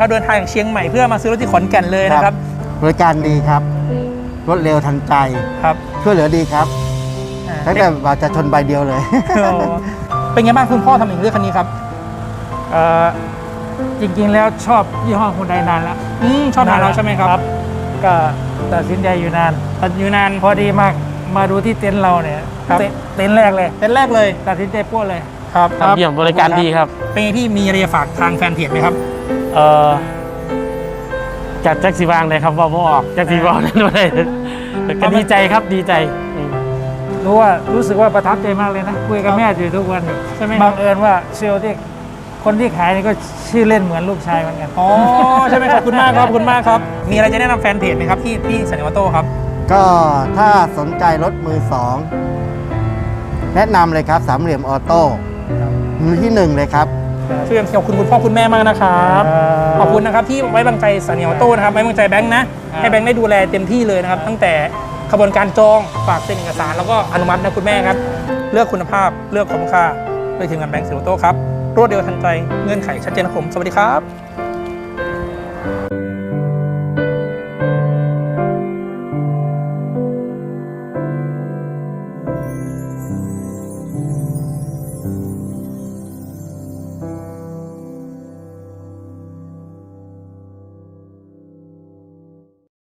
นะครับเดินทางจากเชียงใหม่เพื่อมาซื้อรถที่ขอนแก่นเลยนะครับบริการดีครับรวดเร็วทันใจครับช่วยเหลือดีครับตั้งแต่ว่าจะชนใบเดียวเลยเป็นไงบ้างคุณพ่อทำถึงเลือกคันนี้ครับจริงๆแล้วชอบยี่ห้อฮุนไดนานแล้วชอบทานเราใช่ไหมครับก็ตัดสินใจอยู่นานอยู่นานพอดีมาดูที่เต็นท์เราเนี่ยครับเต็นท์แรกเลยเต็นท์แรกเลยตัดสินใจปั้วเลยครับเยี่ยมบริการดีครับเป็นไงพี่มีอะไรจะฝากทางแฟนเพจไหมครับจัดแจ็คสีวางเลยครับว่าบ่ออกแจ็คสีวางนั่นเลยก็ดีใจครับดีใจอืมรู้สึกว่าประทับใจมากเลยนะคุยกับแม่อยู่ทุกวันอยู่ใช่ไหมบังเอิญว่าเซลล์ที่คนที่ขายนี่ก็ชื่อเล่นเหมือนลูกชายเหมือนกันอ๋อใช่ไหมขอบคุณมากครับขอบคุณมากครับ มีอะไรจะแนะนำแฟนเพจไหมครับพี่สันนิวาโต้ครับก็ถ้าสนใจรถมือสองแนะนำเลยครับสามเหลี่ยมออโต้มือที่หนึ่งเลยครับช่วยขอบคุณคุณพ่อคุณแม่มากนะครับขอบคุณนะครับที่ไว้วางใจสันนิวาโต้นะครับไว้วางใจแบงค์นะให้แบงค์ได้ดูแลเต็มที่เลยนะครับตั้งแต่ขบวนการจองฝากเซ็นเอกสารแล้วก็อนุมัตินะคุณแม่ครับเลือกคุณภาพเลือกคุ้มค่าโดยทีมงานแบงค์สันนิวาโต้ครับรวดเร็วทันใจเงื่อนไขชัดเจนครับผมสวัสดีครับ